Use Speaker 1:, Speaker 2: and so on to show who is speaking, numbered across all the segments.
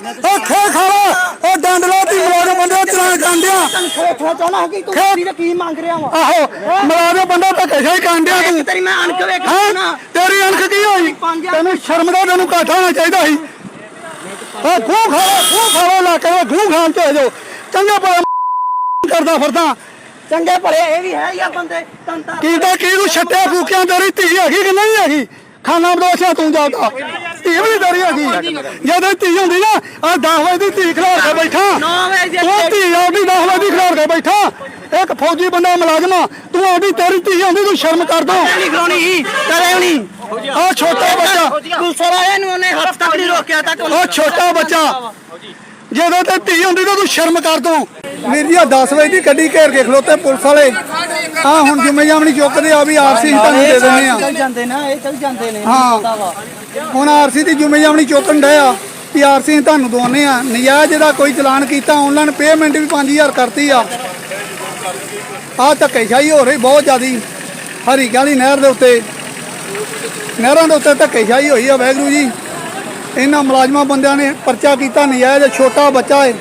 Speaker 1: ਖੇ ਖਾਲਾ ਉਹ ਡੰਡ ਲਾਤੀ ਮਲਾਜਮ ਬੰਦੇ ਚਲਾਨ ਕਾਂਡਿਆ
Speaker 2: ਖੇਖਾ ਚਾਹਣਾ ਕਿ ਤੂੰ ਕੀ ਮੰਗ ਰਿਹਾ ਵਾ
Speaker 1: ਆਹੋ ਮਲਾਜਮ ਬੰਦਾ ਧੱਕੇ ਸ਼ਾਹੀ ਕਾਂਡਿਆ ਤੂੰ
Speaker 2: ਤੇਰੀ ਮੈਂ ਅਣਖ ਵੇਖਣਾ ਨਾ
Speaker 1: ਤੇਰੀ ਅਣਖ ਕੀ ਹੋਈ ਤੈਨੂੰ ਸ਼ਰਮ ਦਾ ਤੈਨੂੰ ਘਾਟਾ ਹੋਣਾ ਚਾਹੀਦਾ ਸੀ ਆ ਖੂ ਖਾਲਾ ਲਾ ਕੇ ਖੂ ਖਾਨ ਤੇ ਹੋ ਜਾਓ ਚੰਗਾ ਭਲਾ ਕਰਦਾ ਫਿਰਦਾ
Speaker 2: ਚੰਗੇ ਭਲੇ ਇਹ ਵੀ ਹੈ ਜਾਂ ਬੰਦੇ ਤੰਤਾ
Speaker 1: ਕੀਦਾ ਕੀ ਤੂੰ ਛੱਟਿਆ ਫੂਕਿਆਂ ਤੇਰੀ ਧੀ ਹੈਗੀ ਕਿ ਨਹੀਂ ਹੈਗੀ ਖਾਣਾ ਬਦੋਸ਼ਾ ਤੂੰ ਜਾਂਦਾ ਧੀ ਵੀ ਤੇਰੀ ਹੈਗੀ ਜਦੋਂ ਧੀ ਹੁੰਦੀ ਨਾ ਆ 10 ਵਜੇ ਦੀ ਧੀ ਖਿਲਾਰ ਕੇ ਬੈਠਾ
Speaker 2: 9 ਵਜੇ
Speaker 1: ਤੂੰ ਧੀ ਆਉਂਦੀ 10 ਵਜੇ ਦੀ ਖਿਲਾਰ ਕੇ ਬੈਠਾ ਇੱਕ ਫੌਜੀ ਬੰਦਾ ਮੁਲਾਜ਼ਮ ਤੂੰ ਆਉਂਦੀ ਤੇਰੀ ਧੀ ਆਉਂਦੀ ਤੂੰ ਸ਼ਰਮ ਕਰ ਦੋ
Speaker 2: ਨਹੀਂ ਖਲੋਣੀ ਕਰੇ ਨਹੀਂ
Speaker 1: ਆ ਛੋਟਾ ਬੱਚਾ
Speaker 2: ਪੁਲਿਸ ਵਾਲਿਆਂ ਨੂੰ ਉਹਨੇ ਹੱਥ ਤੱਕ ਨਹੀਂ ਰੋਕਿਆ ਤੱਕ
Speaker 1: ਉਹ ਛੋਟਾ ਬੱਚਾ ਜਦੋਂ ਤੇ ਧੀ ਹੁੰਦੀ ਤਾਂ ਤੂੰ ਸ਼ਰਮ ਕਰ ਦੋ ਵੀਰ ਜੀ 10 ਵਜੇ ਦੀ ਗੱਡੀ ਘੇਰ ਕੇ ਖਲੋਤੇ ਪੁਲਿਸ ਵਾਲੇ ਆ ਹੁਣ ਜ਼ਿੰਮੇਵਾਰੀ ਚੁੱਕਦੇ ਆ ਵੀ ਆਰਸੀ ਤੁਹਾਨੂੰ ਦੇ ਦਿੰਦੇ ਆ
Speaker 2: ਚੱਲ ਜਾਂਦੇ ਨਾ ਇਹ ਚੱਲ ਜਾਂਦੇ ਨੇ
Speaker 1: ਹਾਂ ਹੁਣ ਆਰਸੀ ਦੀ ਜ਼ਿੰਮੇਵਾਰੀ ਚੁੱਕਣ ਡਿਆ ਵੀ ਆਰਸੀ ਤੁਹਾਨੂੰ ਦਵਾਉਂਦੇ ਆ ਨਜਾਇਜ਼ ਦਾ ਕੋਈ ਚਲਾਨ ਕੀਤਾ ਆਨਲਾਈਨ ਪੇਮੈਂਟ ਵੀ 5000 ਕਰਤੀ ਆ ਆ ਧੱਕੇਸ਼ਾਹੀ ਹੋ ਰਹੀ ਬਹੁਤ ਜ਼ਿਆਦੀ ਹਰੀ ਗਾਲੀ ਨਹਿਰ ਦੇ ਉੱਤੇ ਨਹਿਰਾਂ ਦੇ ਉੱਤੇ ਧੱਕੇਸ਼ਾਹੀ ਹੋਈ ਆ ਵਾਹਿਗੁਰੂ ਜੀ ਇਹਨਾਂ ਮੁਲਾਜ਼ਮਾਂ ਬੰਦਿਆਂ ਨੇ ਪਰਚਾ ਕੀਤਾ ਨਜਾਇਜ਼ ਛੋਟਾ ਬੱਚਾ ਹੈ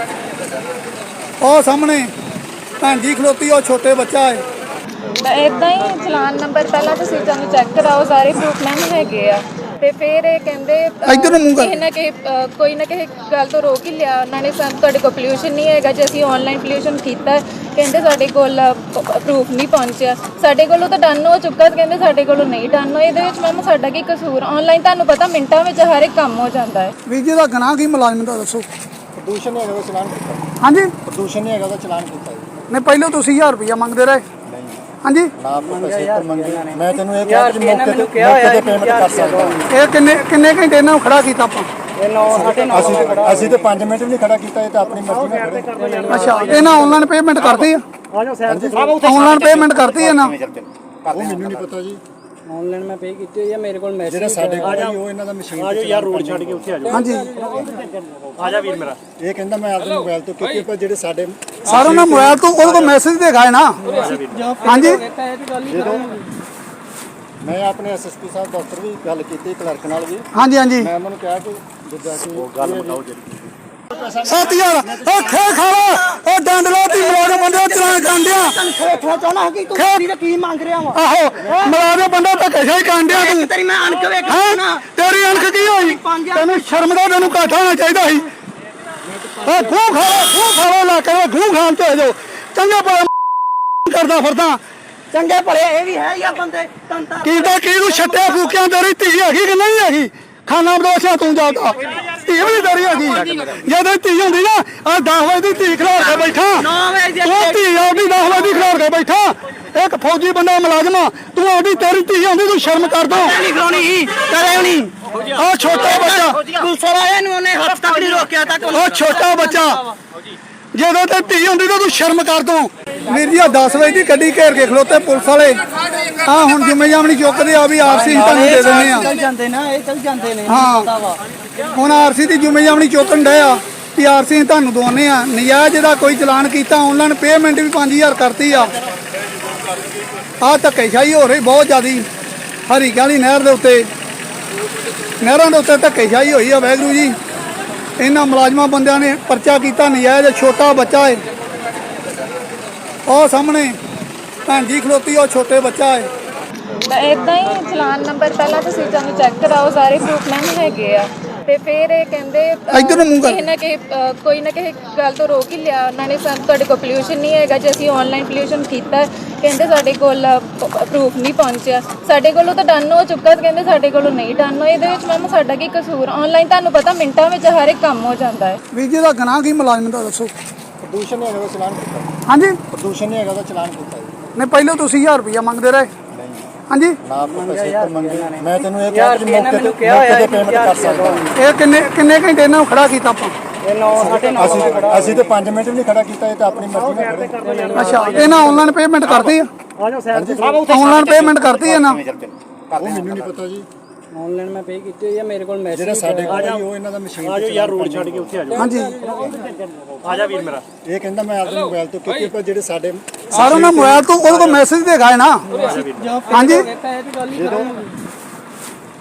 Speaker 1: ਉਹ ਸਾਹਮਣੇ ਭੈਣ ਜੀ ਖਲੋਤੀ ਉਹ ਛੋਟੇ ਬੱਚਾ ਹੈ
Speaker 3: ਇਦਾਂ ਹੀ ਚਲਾਨ ਨੰਬਰ ਪਹਿਲਾਂ ਤੁਸੀਂ ਸਾਨੂੰ ਚੈੱਕ ਕਰਾਓ ਸਾਰੇ ਪ੍ਰੂਫਮੈਨ ਹੈਗੇ ਆ ਤੇ ਫਿਰ ਇਹ ਕਹਿੰਦੇ ਕਿਸੇ ਨਾ ਕਿਸੇ ਕੋਈ ਨਾ ਕਿਸੇ ਗੱਲ ਤੋਂ ਰੋਕ ਹੀ ਲਿਆ ਉਹਨਾਂ ਨੇ ਸਾਨੂੰ ਤੁਹਾਡੇ ਕੋਲ ਪੋਲਿਊਸ਼ਨ ਨਹੀਂ ਹੈਗਾ ਜੇ ਅਸੀਂ ਆਨਲਾਈਨ ਪੋਲਿਊਸ਼ਨ ਕੀਤਾ ਕਹਿੰਦੇ ਸਾਡੇ ਕੋਲ ਪ੍ਰੂਫ ਨਹੀਂ ਪਹੁੰਚਿਆ ਸਾਡੇ ਕੋਲੋਂ ਤਾਂ ਡਨ ਹੋ ਚੁੱਕਾ ਕਹਿੰਦੇ ਸਾਡੇ ਕੋਲੋਂ ਨਹੀਂ ਡਨ ਹੋਇਆ ਇਹਦੇ ਵਿੱਚ ਮੈਮ ਸਾਡਾ ਕੀ ਕਸੂਰ ਆਨਲਾਈਨ ਤੁਹਾਨੂੰ ਪਤਾ ਮਿੰਟਾਂ ਵਿੱਚ ਹਰ ਇੱਕ ਕੰਮ ਹੋ ਜਾਂਦਾ ਹੈ
Speaker 1: ਵੀਰ ਜੀ ਦਾ ਗੁਨਾਹ ਕੀ ਮੁਲਾਜ਼ਮ ਦਾ ਦੱਸੋ
Speaker 4: ਪ੍ਰਦੂਸ਼ਣ ਨਹੀਂ ਹੈਗਾ ਦਾ ਚਲਾਨ ਕੀਤਾ
Speaker 1: ਹਾਂਜੀ
Speaker 4: ਪ੍ਰਦੂਸ਼ਣ ਨਹੀਂ ਹੈਗਾ ਦਾ ਚਲਾਨ ਕੀਤਾ
Speaker 1: ਨਹੀਂ ਪਹਿਲਾਂ ਤੁਸੀਂ 1000 ਰੁਪਇਆ ਮੰਗਦੇ ਰਹੇ ਹਾਂਜੀ
Speaker 4: ਨਾ ਪੈਸੇ ਤਾਂ ਮੰਗੇ ਮੈਂ ਤੈਨੂੰ ਇਹ ਕਿਹਾ ਕਿ ਮੌਕੇ ਤੇ ਪੇਮੈਂਟ ਕਰ ਸਕਦਾ
Speaker 1: ਇਹ ਕਿੰਨੇ ਘੰਟੇ ਇਹਨਾਂ ਨੂੰ ਖੜਾ ਕੀਤਾ ਆਪਾਂ
Speaker 4: ਅਸੀਂ ਤੇ 5 ਮਿੰਟ ਵੀ ਨਹੀਂ ਖੜਾ ਕੀਤਾ ਇਹ ਤਾਂ ਆਪਣੀ ਮਰਜ਼ੀ ਨਾਲ ਖੜੇ
Speaker 1: ਅੱਛਾ ਇਹਨਾਂ ਆਨਲਾਈਨ ਪੇਮੈਂਟ ਕਰਦੀ ਆ ਆਨਲਾਈਨ ਪੇਮੈਂਟ ਕਰਦੀ ਹੈ ਨਾ
Speaker 4: ਉਹ ਮੈਨੂੰ ਨਹੀਂ ਪਤਾ ਜੀ
Speaker 2: ਆਨਲਾਈਨ ਮੈਂ ਪੇ ਕੀਤੀ ਹੋਈ ਆ ਮੇਰੇ ਕੋਲ ਮੈਸੇਜ
Speaker 4: ਜਿਹੜਾ ਸਾਡੇ ਕੋਲ ਹੀ ਉਹ ਇਹਨਾਂ ਦਾ ਮਸ਼ੀਨ ਤੇ
Speaker 5: ਯਾਰ ਰੋਡ ਛੱਡ ਕੇ ਉੱਥੇ ਆ ਜਾਓ
Speaker 1: ਹਾਂਜੀ
Speaker 5: ਆ ਜਾ ਵੀਰ ਮੇਰਾ
Speaker 4: ਇਹ ਕਹਿੰਦਾ ਮੈਂ ਆਪਣੇ ਮੋਬਾਈਲ ਤੋਂ ਕਿਉਂਕਿ ਪਰ ਜਿਹੜੇ ਸਾਡੇ
Speaker 1: ਸਾਰਾ ਨਾ ਮੋਬਾਈਲ ਤੋਂ ਉਹਦੇ ਕੋਲ ਮੈਸੇਜ ਦੇਖਾ ਹੈ ਨਾ ਹਾਂਜੀ
Speaker 4: ਮੈਂ ਆਪਣੇ ਐਸਐਸਪੀ ਸਾਹਿਬ ਦਫ਼ਤਰ ਵੀ ਗੱਲ ਕੀਤੀ ਕਲਰਕ ਨਾਲ ਵੀ
Speaker 1: ਹਾਂਜੀ ਹਾਂਜੀ
Speaker 4: ਮੈਂ ਉਹਨਾਂ ਨੂੰ ਕਿਹਾ ਕਿ ਜਿੱਦਾਂ ਕਿ ਉਹ ਗੱਲ ਬਤਾਓ ਜਿਹੜੀ
Speaker 1: 7000 ਉਹ ਖੇ ਖਾਲਾ ਉਹ ਡੰਡ ਲਾਤੀ ਮਲਾਜਮ ਬੰਦੇ ਚਲਾਨ ਕਾਂਡਿਆ
Speaker 2: ਖੇਖਾ ਚਾਹਣਾ ਕਿ ਤੂੰ ਕੀ ਮੰਗ ਰਿਹਾ ਵਾ
Speaker 1: ਆਹੋ ਮਲਾਜਮ ਬੰਦਾ ਧੱਕੇਸ਼ਾਹੀ ਕਾਂਡਿਆ ਤੂੰ
Speaker 2: ਤੇਰੀ ਮੈਂ ਅਣਖ ਵੇਖਣਾ ਨਾ
Speaker 1: ਤੇਰੀ ਅਣਖ ਕੀ ਹੋਈ ਤੈਨੂੰ ਸ਼ਰਮ ਦਾ ਤੈਨੂੰ ਘਾਟਾ ਹੋਣਾ ਚਾਹੀਦਾ ਸੀ ਆ ਖੂ ਖਾਲਾ ਲਾ ਕੇ ਖੂ ਖਾਨ ਤੇ ਹੋ ਜਾਓ ਚੰਗਾ ਭਲਾ ਕਰਦਾ ਫਿਰਦਾ
Speaker 2: ਚੰਗੇ ਭਲੇ ਇਹ ਵੀ ਹੈ ਜਾਂ ਬੰਦੇ ਤੰਤਾ
Speaker 1: ਕੀਦਾ ਕੀ ਤੂੰ ਛੱਟਿਆ ਫੂਕਿਆਂ ਤੇਰੀ ਧੀ ਹੈਗੀ ਕਿ ਨਹੀਂ ਹੈਗੀ ਖਾਣਾ ਬਦੋਸ਼ਾ ਤੂੰ ਜਾਂਦਾ ਧੀ ਵੀ ਤੇਰੀ ਹੈਗੀ ਜਦੋਂ ਧੀ ਹੁੰਦੀ ਨਾ ਆ 10 ਵਜੇ ਦੀ ਧੀ ਖਿਲਾਰ ਕੇ ਬੈਠਾ
Speaker 2: 9 ਵਜੇ
Speaker 1: ਤੂੰ ਧੀ ਆਉਂਦੀ 10 ਵਜੇ ਦੀ ਖਿਲਾਰ ਕੇ ਬੈਠਾ ਇੱਕ ਫੌਜੀ ਬੰਦਾ ਮੁਲਾਜ਼ਮ ਤੂੰ ਆਉਂਦੀ ਤੇਰੀ ਧੀ ਆਉਂਦੀ ਤੂੰ ਸ਼ਰਮ ਕਰ ਦੋ
Speaker 2: ਨਹੀਂ ਖਲੋਣੀ ਕਰੇ ਨਹੀਂ
Speaker 1: ਆ ਛੋਟਾ ਬੱਚਾ
Speaker 2: ਪੁਲਿਸ ਵਾਲਿਆਂ ਨੂੰ ਉਹਨੇ ਹੱਥ ਤੱਕ ਨਹੀਂ ਰੋਕਿਆ ਤੱਕ
Speaker 1: ਉਹ ਛੋਟਾ ਬੱਚਾ ਜਦੋਂ ਤੇ ਧੀ ਹੁੰਦੀ ਤਾਂ ਤੂੰ ਸ਼ਰਮ ਕਰ ਦੋ ਵੀਰ ਜੀ 10 ਵਜੇ ਦੀ ਗੱਡੀ ਘੇਰ ਕੇ ਖਲੋਤੇ ਪੁਲਿਸ ਵਾਲੇ ਆ ਹੁਣ ਜ਼ਿੰਮੇਵਾਰੀ ਚੁੱਕਦੇ ਆ ਵੀ ਆਰਸੀ ਤੁਹਾਨੂੰ ਦੇ ਦਿੰਦੇ ਆ
Speaker 2: ਚੱਲ ਜਾਂਦੇ ਨਾ ਇਹ ਚੱਲ ਜਾਂਦੇ ਨੇ
Speaker 1: ਹਾਂ ਹੁਣ ਆਰਸੀ ਦੀ ਜ਼ਿੰਮੇਵਾਰੀ ਚੁੱਕਣ ਡਿਆ ਵੀ ਆਰਸੀ ਤੁਹਾਨੂੰ ਦਵਾਉਂਦੇ ਆ ਨਜਾਇਜ਼ ਦਾ ਕੋਈ ਚਲਾਨ ਕੀਤਾ ਆਨਲਾਈਨ ਪੇਮੈਂਟ ਵੀ 5000 ਕਰਤੀ ਆ ਆ ਧੱਕੇਸ਼ਾਹੀ ਹੋ ਰਹੀ ਬਹੁਤ ਜ਼ਿਆਦੀ ਹਰੀ ਗਾਲੀ ਨਹਿਰ ਦੇ ਉੱਤੇ ਨਹਿਰਾਂ ਦੇ ਉੱਤੇ ਧੱਕੇਸ਼ਾਹੀ ਹੋਈ ਆ ਵਾਹਿਗੁਰੂ ਜੀ ਇਹਨਾਂ ਮੁਲਾਜ਼ਮਾਂ ਬੰਦਿਆਂ ਨੇ ਪਰਚਾ ਕੀਤਾ ਨਜਾਇਜ਼ ਛੋਟਾ ਬੱਚਾ ਹੈ ਉਹ ਸਾਹਮਣੇ ਭੈਣ ਜੀ ਖਲੋਤੀ ਉਹ ਛੋਟੇ ਬੱਚਾ ਹੈ
Speaker 3: ਇਦਾਂ ਹੀ ਚਲਾਨ ਨੰਬਰ ਪਹਿਲਾਂ ਤੁਸੀਂ ਸਾਨੂੰ ਚੈੱਕ ਕਰਾਓ ਸਾਰੇ ਪ੍ਰੂਫਮੈਨ ਹੈਗੇ ਆ ਤੇ ਫਿਰ ਇਹ ਕਹਿੰਦੇ ਕਿਸੇ ਨਾ ਕਿਸੇ ਕੋਈ ਨਾ ਕਿਸੇ ਗੱਲ ਤੋਂ ਰੋਕ ਹੀ ਲਿਆ ਉਹਨਾਂ ਨੇ ਸਾਨੂੰ ਤੁਹਾਡੇ ਕੋਲ ਪੋਲਿਊਸ਼ਨ ਨਹੀਂ ਹੈਗਾ ਜੇ ਅਸੀਂ ਆਨਲਾਈਨ ਪੋਲਿਊਸ਼ਨ ਕੀਤਾ ਕਹਿੰਦੇ ਸਾਡੇ ਕੋਲ ਪ੍ਰੂਫ ਨਹੀਂ ਪਹੁੰਚਿਆ ਸਾਡੇ ਕੋਲੋਂ ਤਾਂ ਡਨ ਹੋ ਚੁੱਕਾ ਕਹਿੰਦੇ ਸਾਡੇ ਕੋਲੋਂ ਨਹੀਂ ਡਨ ਹੋਇਆ ਇਹਦੇ ਵਿੱਚ ਮੈਮ ਸਾਡਾ ਕੀ ਕਸੂਰ ਆਨਲਾਈਨ ਤੁਹਾਨੂੰ ਪਤਾ ਮਿੰਟਾਂ ਵਿੱਚ ਹਰ ਇੱਕ ਕੰਮ ਹੋ ਜਾਂਦਾ ਹੈ
Speaker 1: ਵੀਰ ਜੀ ਦਾ ਗੁਨਾਹ ਕੀ ਮੁਲਾਜ਼ਮ ਦਾ ਦੱਸੋ
Speaker 4: ਪ੍ਰਦੂਸ਼ਣ ਨਹੀਂ ਹੈਗਾ ਦਾ ਚਲਾਨ ਕੀਤਾ
Speaker 1: ਹਾਂਜੀ
Speaker 4: ਪ੍ਰਦੂਸ਼ਣ ਨਹੀਂ ਹੈਗਾ ਦਾ ਚਲਾਨ ਕੀਤਾ
Speaker 1: ਨਹੀਂ ਪਹਿਲਾਂ ਤੁਸੀਂ 1000 ਰੁਪਇਆ ਮੰਗਦੇ ਰਹੇ ਹਾਂਜੀ
Speaker 4: ਨਾ ਪੈਸੇ ਤਾਂ ਮੰਗੇ ਮੈਂ ਤੈਨੂੰ ਇਹ ਕਿਹਾ ਕਿ ਮੌਕੇ ਤੇ ਪੇਮੈਂਟ ਕਰ ਸਕਦਾ
Speaker 1: ਇਹ ਕਿੰਨੇ ਘੰਟੇ ਇਹਨਾਂ ਨੂੰ ਖੜਾ ਕੀਤਾ ਆਪਾਂ
Speaker 4: ਅਸੀਂ ਤੇ 5 ਮਿੰਟ ਵੀ ਨਹੀਂ ਖੜਾ ਕੀਤਾ ਇਹ ਤਾਂ ਆਪਣੀ ਮਰਜ਼ੀ ਨਾਲ ਖੜੇ
Speaker 1: ਅੱਛਾ ਇਹਨਾਂ ਆਨਲਾਈਨ ਪੇਮੈਂਟ ਕਰਦੀ ਆ ਆਨਲਾਈਨ ਪੇਮੈਂਟ ਕਰਦੀ ਹੈ ਨਾ
Speaker 4: ਉਹ ਮੈਨੂੰ ਨਹੀਂ ਪਤਾ ਜੀ
Speaker 2: ਆਨਲਾਈਨ ਮੈਂ ਪੇ ਕੀਤੀ ਹੋਈ ਆ ਮੇਰੇ ਕੋਲ ਮੈਸੇਜ
Speaker 4: ਜਿਹੜਾ ਸਾਡੇ ਕੋਲ ਹੀ ਉਹ ਇਹਨਾਂ ਦਾ ਮਸ਼ੀਨ
Speaker 5: ਆ ਜਾਓ ਯਾਰ ਰੋਡ ਛੱਡ ਕੇ ਉੱਥੇ ਆ ਜਾਓ
Speaker 1: ਹਾਂਜੀ
Speaker 5: ਆ ਜਾ ਵੀਰ ਮੇਰਾ
Speaker 4: ਇਹ ਕਹਿੰਦਾ ਮੈਂ ਆਪਣੇ ਮੋਬਾਈਲ ਤੋਂ ਕਿਉਂਕਿ ਪਰ ਜਿਹੜੇ ਸਾਡੇ
Speaker 1: ਸਾਰਾ ਨਾ ਮੋਬਾਈਲ ਤੋਂ ਉਹਦੇ ਕੋਲ ਮੈਸੇਜ ਦੇਖਾ ਹੈ ਨਾ ਹਾਂਜੀ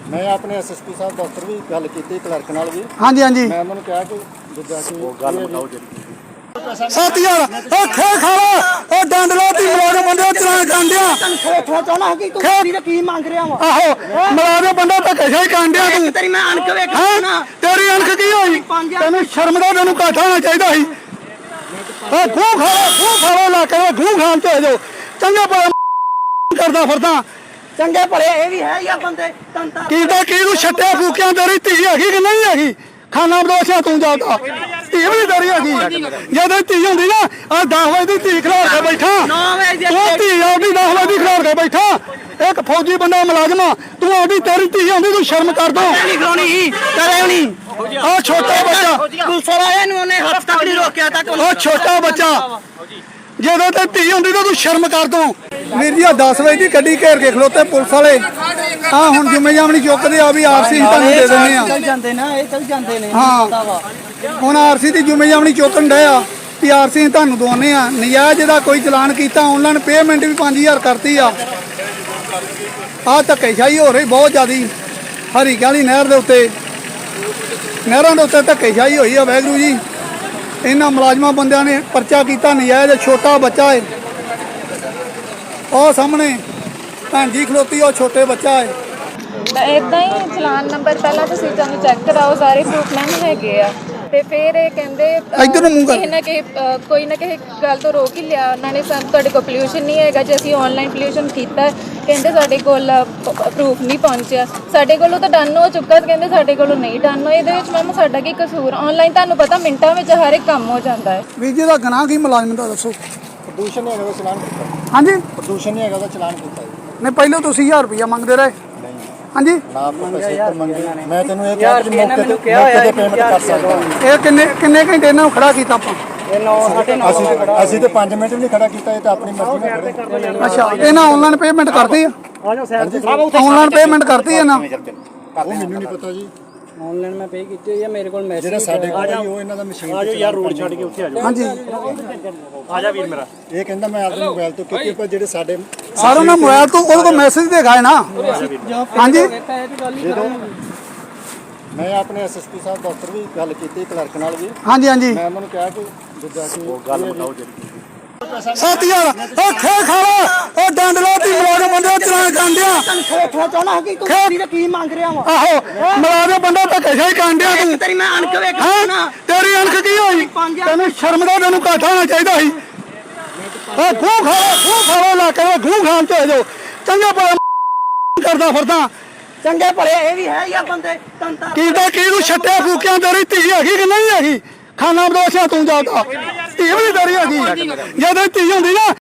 Speaker 4: ਮੈਂ ਆਪਣੇ ਐਸਐਸਪੀ ਸਾਹਿਬ ਦਫ਼ਤਰ ਵੀ ਗੱਲ ਕੀਤੀ ਕਲਰਕ ਨਾਲ ਵੀ
Speaker 1: ਹਾਂਜੀ ਹਾਂਜੀ
Speaker 4: ਮੈਂ ਉਹਨਾਂ ਨੂੰ ਕਿਹਾ ਕਿ ਜਿੱਦਾਂ ਕਿ ਉਹ ਗੱਲ ਮੁਕਾਓ ਜੀ
Speaker 1: 7000 ਉਹ ਖੇ ਖਾਲਾ ਉਹ ਡੰਡਲਾ ਦੀ ਮੁਲਾਜ਼ਮ ਬੰਦੇ ਚਲਾਨ ਕਾਂਡਿਆ
Speaker 2: ਥੋੜਾ ਚਾਹਣਾ ਕਿ ਤੂੰ ਵੀਰ ਕੀ ਮੰਗ ਰਿਹਾ ਵਾ
Speaker 1: ਆਹੋ ਮੁਲਾਜ਼ਮ ਬੰਦਾ ਧੱਕੇ ਸ਼ਾਹੀ ਕਾਂਡਿਆ ਤੂੰ
Speaker 2: ਤੇਰੀ ਮੈਂ ਅਣਖ ਵੇਖ
Speaker 1: ਹੈਂ? ਤੇਰੀ ਅਣਖ ਕੀ ਹੋਈ ਤੈਨੂੰ ਸ਼ਰਮ ਦਾ ਤੈਨੂੰ ਘਾਟਾ ਹੋਣਾ ਚਾਹੀਦਾ ਸੀ ਉਹ ਖੂਹ ਖਾਲਾ ਲਾ ਕੇ ਖੂਹ ਖਾਨ ਤੇ ਜੋ ਚੰਗਾ ਭਲਾ ਕਰਦਾ ਫਿਰਦਾ
Speaker 2: ਚੰਗੇ ਭਲੇ ਇਹ ਵੀ ਹੈ ਜਾਂ ਬੰਦੇ ਤੰਤਾ
Speaker 1: ਕੀ ਤੂੰ ਛੱਟਿਆ ਫੂਕਿਆਂ ਤੇਰੀ ਧੀ ਹੈਗੀ ਕਿ ਨਹੀਂ ਹੈਗੀ ਖਾਣਾ ਬਦੋਸ਼ਾ ਤੂੰ ਜਾਂਦਾ ਧੀ ਵੀ ਨਹੀਂ ਤੇਰੀ ਹੈਗੀ ਜਦੋਂ ਧੀ ਹੁੰਦੀ ਨਾ ਆ 10 ਵਜੇ ਦੀ ਧੀ ਖਿਲਾਰ ਕੇ ਬੈਠਾ
Speaker 2: 9 ਵਜੇ
Speaker 1: ਤੂੰ ਧੀ ਆਪਦੀ 10 ਵਜੇ ਦੀ ਖਿਲਾਰ ਕੇ ਬੈਠਾ ਇੱਕ ਫੌਜੀ ਬੰਦਾ ਮੁਲਾਜ਼ਮ ਆ, ਤੂੰ ਆਪਦੀ ਤੇਰੀ ਧੀ ਹੁੰਦੀ ਤੂੰ ਸ਼ਰਮ ਕਰਦਾ
Speaker 2: ਨਹੀਂ ਖਲੋਣੀ ਕਰੇ ਨਹੀਂ
Speaker 1: ਆ ਛੋਟਾ ਬੱਚਾ
Speaker 2: ਪੁਲਿਸ ਵਾਲਿਆਂ ਨੂੰ ਉਹਨੇ ਹੱਥ ਤੱਕ ਨਹੀਂ ਰੋਕਿਆ ਤੱਕ
Speaker 1: ਉਹ ਛੋਟਾ ਬੱਚਾ ਜਦੋਂ ਤੇ ਧੀ ਹੁੰਦੀ ਤਾਂ ਤੂੰ ਸ਼ਰਮ ਕਰ ਦੋ ਵੀਰ ਜੀ ਆ 10 ਵਜੇ ਦੀ ਗੱਡੀ ਘੇਰ ਕੇ ਖਲੋਤੇ ਪੁਲਿਸ ਵਾਲੇ ਆ ਹੁਣ ਜ਼ਿੰਮੇਵਾਰੀ ਚੁੱਕਦੇ ਆ ਵੀ ਆਰਸੀ ਤੁਹਾਨੂੰ ਦੇ ਦਿੰਦੇ ਆ
Speaker 2: ਚੱਲ ਜਾਂਦੇ ਨਾ ਇਹ ਚੱਲ ਜਾਂਦੇ ਨੇ
Speaker 1: ਹਾਂ ਹੁਣ ਆਰਸੀ ਦੀ ਜ਼ਿੰਮੇਵਾਰੀ ਚੁੱਕਣ ਡਏ ਆ ਵੀ ਆਰਸੀ ਤੁਹਾਨੂੰ ਦਵਾਉਂਦੇ ਆ ਨਜਾਇਜ਼ ਦਾ ਕੋਈ ਚਲਾਨ ਕੀਤਾ ਆਨਲਾਈਨ ਪੇਮੈਂਟ ਵੀ 5000 ਕਰਤੀ ਆ ਧੱਕੇਸ਼ਾਹੀ ਹੋ ਰਹੀ ਬਹੁਤ ਜ਼ਿਆਦੀ ਹਰੀ ਕਾਲੀ ਨਹਿਰ ਦੇ ਉੱਤੇ ਨਹਿਰਾਂ ਦੇ ਉੱਤੇ ਧੱਕੇਸ਼ਾਹੀ ਹੋਈ ਆ ਵਾਹਿਗੁਰੂ ਜੀ ਇਹਨਾਂ ਮੁਲਾਜ਼ਮਾਂ ਬੰਦਿਆਂ ਨੇ ਪਰਚਾ ਕੀਤਾ ਨਜਾਇਜ਼ ਛੋਟਾ ਬੱਚਾ ਏ ਉਹ ਸਾਹਮਣੇ ਭੈਣ ਜੀ ਖਲੋਤੀ ਉਹ ਛੋਟੇ ਬੱਚਾ ਏ
Speaker 3: ਇਦਾਂ ਹੀ ਚਲਾਨ ਨੰਬਰ ਪਹਿਲਾਂ ਤੁਸੀਂ ਸਾਨੂੰ ਚੈੱਕ ਕਰਾਓ ਸਾਰੇ ਪ੍ਰੂਫ ਮੈਮ ਹੈਗੇ ਆ ਤੇ ਫਿਰ ਇਹ ਕਹਿੰਦੇ
Speaker 1: ਇੱਧਰ ਨੂੰ ਮੂੰਹ ਕਰ।
Speaker 3: ਕਿਸੇ ਨਾ ਕਿਸੇ ਕੋਈ ਨਾ ਕਿਸੇ ਗੱਲ ਤੋਂ ਰੋਕ ਹੀ ਲਿਆ ਉਹਨਾਂ ਨੇ ਸਾਨੂੰ ਤੁਹਾਡੇ ਕੋਲ ਪੋਲਿਊਸ਼ਨ ਨਹੀਂ ਹੈਗਾ ਜੇ ਅਸੀਂ ਆਨਲਾਈਨ ਪੋਲਿਊਸ਼ਨ ਕੀਤਾ ਕਹਿੰਦੇ ਸਾਡੇ ਕੋਲ ਪ੍ਰੂਫ ਨਹੀਂ ਪਹੁੰਚਿਆ ਸਾਡੇ ਕੋਲੋਂ ਤਾਂ ਡਨ ਹੋ ਚੁੱਕਾ ਕਹਿੰਦੇ ਸਾਡੇ ਕੋਲੋਂ ਨਹੀਂ ਡਨ ਹੋਇਆ ਇਹਦੇ ਵਿੱਚ ਮੈਮ ਸਾਡਾ ਕੀ ਕਸੂਰ ਆਨਲਾਈਨ ਤੁਹਾਨੂੰ ਪਤਾ ਮਿੰਟਾਂ ਵਿੱਚ ਹਰ ਇੱਕ ਕੰਮ ਹੋ ਜਾਂਦਾ ਹੈ
Speaker 1: ਵੀਰ ਜੀ ਦਾ ਗੁਨਾਹ ਕੀ ਮੁਲਾਜ਼ਮ ਦਾ ਦੱਸੋ
Speaker 4: ਪ੍ਰਦੂਸ਼ਣ ਨਹੀਂ ਹੈਗਾ ਉਹਦਾ ਚਲਾਨ ਕੀਤਾ
Speaker 1: ਹਾਂਜੀ
Speaker 4: ਪ੍ਰਦੂਸ਼ਣ ਨਹੀਂ ਹੈਗਾ ਉਹਦਾ ਚਲਾਨ ਕੀਤਾ
Speaker 1: ਨਹੀਂ ਪਹਿਲਾਂ ਤੁਸੀਂ 1000 ਰੁਪਇਆ ਮੰਗਦੇ ਰਹੇ ਹਾਂਜੀ
Speaker 4: ਨਾ ਆਪਾਂ ਪੈਸੇ ਉੱਪਰ ਮੰਗੇ ਮੈਂ ਤੈਨੂੰ ਇਹ ਕਿਹਾ ਕਿ ਮੌਕੇ ਤੇ ਪੇਮੈਂਟ ਕਰ ਸਕਦਾ
Speaker 1: ਇਹ ਕਿੰਨੇ ਘੰਟੇ ਇਹਨਾਂ ਨੂੰ ਖੜਾ ਕੀਤਾ ਆਪਾਂ
Speaker 2: ਇਹ 9 9:30
Speaker 4: ਅਸੀਂ ਤੇ 5 ਮਿੰਟ ਵੀ ਨਹੀਂ ਖੜਾ ਕੀਤਾ ਇਹ ਤਾਂ ਆਪਣੀ ਮਰਜ਼ੀ ਨਾਲ ਖੜੇ
Speaker 1: ਅੱਛਾ ਇਹਨਾਂ ਆਨਲਾਈਨ ਪੇਮੈਂਟ ਕਰਤੀ ਆ ਆਨਲਾਈਨ ਪੇਮੈਂਟ ਕਰਤੀ ਇਹਨਾਂ
Speaker 4: ਉਹ ਮੈਨੂੰ ਨਹੀਂ ਪਤਾ ਜੀ
Speaker 2: ਆਨਲਾਈਨ ਮੈਂ ਪੇ ਕੀਤੀ ਹੋਈ ਹੈ ਮੇਰੇ ਕੋਲ ਮੈਸੇਜ
Speaker 4: ਜਿਹੜਾ ਸਾਡੇ ਕੋਲ ਆ ਜੀ ਉਹ ਇਹਨਾਂ ਦਾ ਮਸ਼ੀਨ
Speaker 5: ਆ ਜਾਓ ਯਾਰ ਰੋਡ ਛੱਡ ਕੇ ਉੱਥੇ ਆ ਜਾਓ
Speaker 1: ਹਾਂਜੀ
Speaker 5: ਆ ਜਾ ਵੀਰ ਮੇਰਾ
Speaker 4: ਇਹ ਕਹਿੰਦਾ ਮੈਂ ਆਪਣੇ ਮੋਬਾਈਲ ਤੋਂ ਕੀਤੀ ਪਰ ਜਿਹੜੇ ਸਾਡੇ
Speaker 1: ਸਾਰਾ ਉਹਨਾਂ ਮੋਬਾਈਲ ਤੋਂ ਉਹਦੇ ਕੋਲ ਮੈਸੇਜ ਦਿਖਾਏ ਨਾ ਹਾਂਜੀ
Speaker 4: ਮੈਂ ਆਪਣੇ ਐਸਐਸਪੀ ਸਾਹਿਬ ਦਫ਼ਤਰ ਵੀ ਗੱਲ ਕੀਤੀ ਕਲਰਕ ਨਾਲ ਵੀ
Speaker 1: ਹਾਂਜੀ ਹਾਂਜੀ
Speaker 4: ਮੈਂ ਉਹਨਾਂ ਨੂੰ ਕਿਹਾ ਕਿ ਜਿੱਦਾਂ ਕਿ ਉਹ ਗੱਲ ਮੁਕਾਓ ਜੀ
Speaker 1: 7000 ਉਹ ਖੇ ਖਾਲਾ ਉਹ ਡੰਡਲਾ ਦੀ ਮੁਲਾਜ਼ਮ ਬੰਦੇ ਚਲਾਨ ਕਾਂਡਿਆ
Speaker 2: ਥੋੜਾ ਚਾਹਣਾ ਕਿ ਤੂੰ ਵੀਰ ਕੀ ਮੰਗ ਰਿਹਾ ਵਾ
Speaker 1: ਆਹੋ ਮੁਲਾਜ਼ਮ ਬੰਦਾ ਧੱਕੇ ਸ਼ਾਹੀ ਕਾਂਡਿਆ ਤੂੰ
Speaker 2: ਤੇਰੀ ਮੈਂ ਅਣਖ ਵੇਖ
Speaker 1: ਹੈਂ? ਤੇਰੀ ਅਣਖ ਕੀ ਹੋਈ ਤੈਨੂੰ ਸ਼ਰਮ ਦਾ ਤੈਨੂੰ ਘਾਟਾ ਹੋਣਾ ਚਾਹੀਦਾ ਸੀ ਉਹ ਖੂਹ ਖਾਲਾ ਲਾ ਕੇ ਖੂਹ ਖਾਨ ਤੇ ਜੋ ਚੰਗਾ ਭਲਾ ਕਰਦਾ ਫਿਰਦਾ
Speaker 2: ਚੰਗੇ ਭਲੇ ਇਹ ਵੀ ਹੈ ਜਾਂ ਬੰਦੇ ਤੰਤਾ
Speaker 1: ਕੀ ਤੂੰ ਛੱਟਿਆ ਫੂਕਿਆਂ ਤੇਰੀ ਧੀ ਹੈਗੀ ਕਿ ਨਹੀਂ ਹੈਗੀ ਖਾਣਾ ਬਦੋਸ਼ਾ ਤੂੰ ਜਾਂਦਾ ਧੀ ਵੀ ਨਹੀਂ ਤੇਰੀ ਹੈਗੀ ਜਦੋਂ ਧੀ ਹੁੰਦੀ ਨਾ